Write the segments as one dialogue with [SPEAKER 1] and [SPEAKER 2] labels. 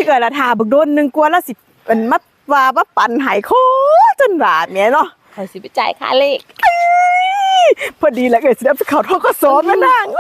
[SPEAKER 1] เกิดละทาบักโดนนึงกลัวแล้วสิเป็นมัดว่าปั่นหายโคจนบาดเนี่ยเนาะ
[SPEAKER 2] คอยสิไปจ่ายค่าเลข
[SPEAKER 1] พอดีแล้วเกิดสิได้ไปเข้าทกสแม่นาง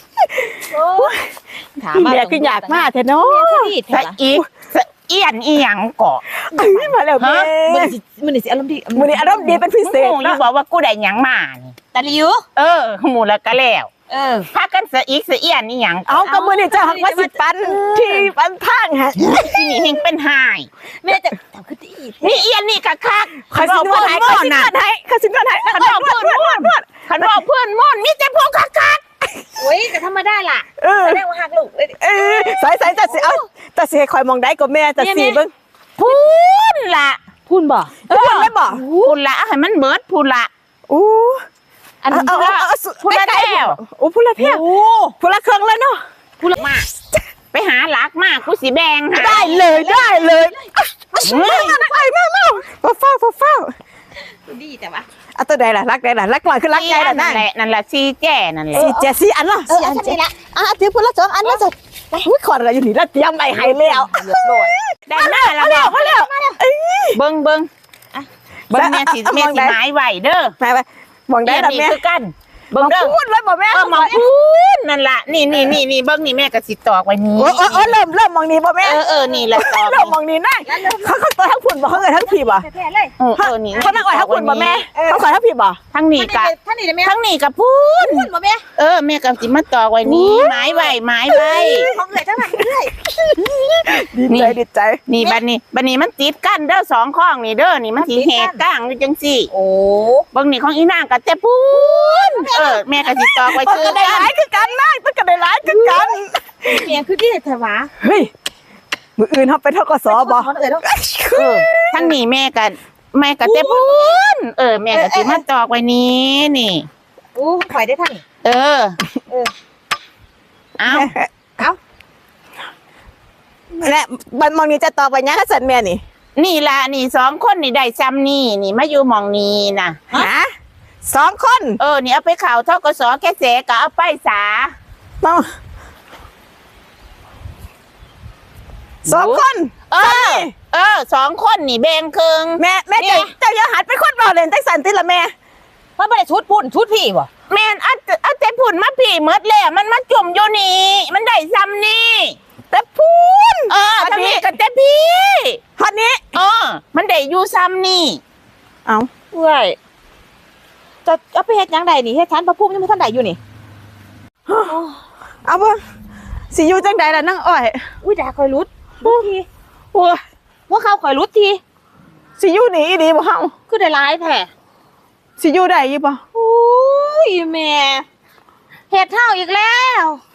[SPEAKER 1] แม่คืออยากมาแท้เนาะ
[SPEAKER 3] สะอีสะเอียนอีหยังเกาะ
[SPEAKER 1] มาแล้วแม่
[SPEAKER 2] มื้อนี้สิอารมณ์ดี
[SPEAKER 1] มื้อนี้อารมณ์ดีเป็นพิเศษ
[SPEAKER 3] หมูอยู่บอกว่ากูได้หยังมานี่
[SPEAKER 2] ตะลิว
[SPEAKER 3] หมูแล้วก็แล้วพากันสะอีสะเอียนอีหยัง
[SPEAKER 1] เอาก็มื้อนี้จะหักว่าสิปันที่ปันทางฮะ
[SPEAKER 3] ที่นี่เฮงเป็นหาย
[SPEAKER 2] แม่จะทำคือดี
[SPEAKER 3] นี่เอียนนี่คัก
[SPEAKER 1] ๆเขาสินวดให้เขาสินวดให้เขาสินวดให้
[SPEAKER 3] คันบอกเพื่อนม่อนมีแต่พวกคัก
[SPEAKER 2] โอ้ยก็ธรรมดาล่ะแสดงว่าหักลูก
[SPEAKER 1] ใส่จะสิเอาแต่สิให้คอยมองได้ก็แม่จะสิเบิ่ง
[SPEAKER 3] พูนละ
[SPEAKER 2] พูนบ่
[SPEAKER 1] พูนได้บ่
[SPEAKER 3] พูนละให้มันเบิดพูนละ
[SPEAKER 1] อันพูนละแก้วพูนละเพี้ยพูนละเครื่องเลยเนาะ
[SPEAKER 3] พูนละมาไปหาหลักมากกูสิแบง
[SPEAKER 1] ได้เลยไปมาเฝ้า
[SPEAKER 2] ดีแต่ว่า
[SPEAKER 1] ตัวใดล่ะรักใดล่ะรักลอยคือรักใดล่ะ
[SPEAKER 3] นั่นแหละซีแก่นั่นแหละ
[SPEAKER 1] ซีอันล่ะ
[SPEAKER 2] ซีอันนี่ละ
[SPEAKER 1] เดี๋ยวพูนละ2 อันแล้วจ้ะอุ้ยขออะไรอยู่นี่แล้วเตรียมใบให้แล้ว
[SPEAKER 3] เรียบร้อยได้หน้าแล้ว
[SPEAKER 1] มาแล้ว
[SPEAKER 3] เบิ่งแม่สิหมายไว้เด้อ
[SPEAKER 1] ไปมองได้ล่ะแม่
[SPEAKER 3] คือกันเบิ่งเด้อ
[SPEAKER 1] พูดไว้บ่แม่
[SPEAKER 3] มองพูดนั่นล่ะนี่เบิ่งนี่แม่ก็สิตอกไว้นี่
[SPEAKER 1] เริ่มมองนี่บ่แม่
[SPEAKER 3] นี่แหละตอก
[SPEAKER 1] เริ่มมองนี่นะเขาตัวทั้งพุ่นบ่เขาทั้งพี่บ่
[SPEAKER 3] นี่
[SPEAKER 1] เขานั่งอ้อยทั้งพุ่นบ่แม่เขาขอทั้งพี่บ่
[SPEAKER 3] ทั้งนี่กับพูด
[SPEAKER 2] บ่แม่
[SPEAKER 3] แม่ก็สิมาตอกไว้นี่หมายไว้
[SPEAKER 2] ของเอื้อยจังนั้นเอื้อย
[SPEAKER 1] ดีใจ
[SPEAKER 3] นี่บัดนี้มันติดกันเด้อ2ข้องนี่เด้อนี่มันสิแหกก้างอยู่จังซี่เบิ่งนี่ของอีนางก็แต่พูดแม่ก็สิตอกไว้
[SPEAKER 1] คือได้หลายคือกันนะมันก็ได้หลายคือกัน
[SPEAKER 2] แม่คือที่แท้หวา
[SPEAKER 1] เฮ้ยมื้ออื่นเฮาไปทกสบ่
[SPEAKER 3] ทั้งนี้แม่ก็แต่พูดแม่ก็สิมาตอกไว้นี่
[SPEAKER 2] ข่อยได้ท่าน
[SPEAKER 1] เอาและบันมองนี้จะตอกไว้ยังซั่นแม่
[SPEAKER 3] นี่ล่ะนี่2คนนี่ได้ซ้ำนี่มาอยู่หม่องนี้น่ะ
[SPEAKER 1] ฮะ2 คน
[SPEAKER 3] นี่เอาไปเข้าทกสแค่เสก็เอาไปสา
[SPEAKER 1] 2 คน
[SPEAKER 3] 2 คนนี่แบ่งครึ่ง
[SPEAKER 1] แม่เจ้าอย่าหัดเป็นคนบ่เล่นจังซั่นติล่ะแม่
[SPEAKER 2] มันบ่ได้ชุดพุ่นชุดพี่บ่
[SPEAKER 3] แม่นเอาแต่พุ่นมาพี่หมดแล้วมันมาจุ่มอยู่นี่มันได้ซ้ำนี่
[SPEAKER 1] แต่พุ่น
[SPEAKER 3] ทั้งนี้ก็แต่พี่
[SPEAKER 1] ฮอดนี้
[SPEAKER 3] มันได้อยู่ซ้ำนี่
[SPEAKER 1] เอา
[SPEAKER 2] เว้ยจะเอาไปเฮ็ดหยังใดนี่เฮ็ดชั้นพระภูมิยังบ่ทันได้อยู่นี่
[SPEAKER 1] เอาบ่สิอยู่จังใดล่ะนางอ้อย
[SPEAKER 2] อุ้ยด่าข่อยรุดทีว่าเขาข่อยรุดที
[SPEAKER 1] สิอยู่นี่อีดีบ่เฮา
[SPEAKER 2] คือได้หลายแท้
[SPEAKER 1] สิอยู่ได้อยู่บ่
[SPEAKER 2] โอ้ยแม่เฮ็ดเฮาอีกแล้ว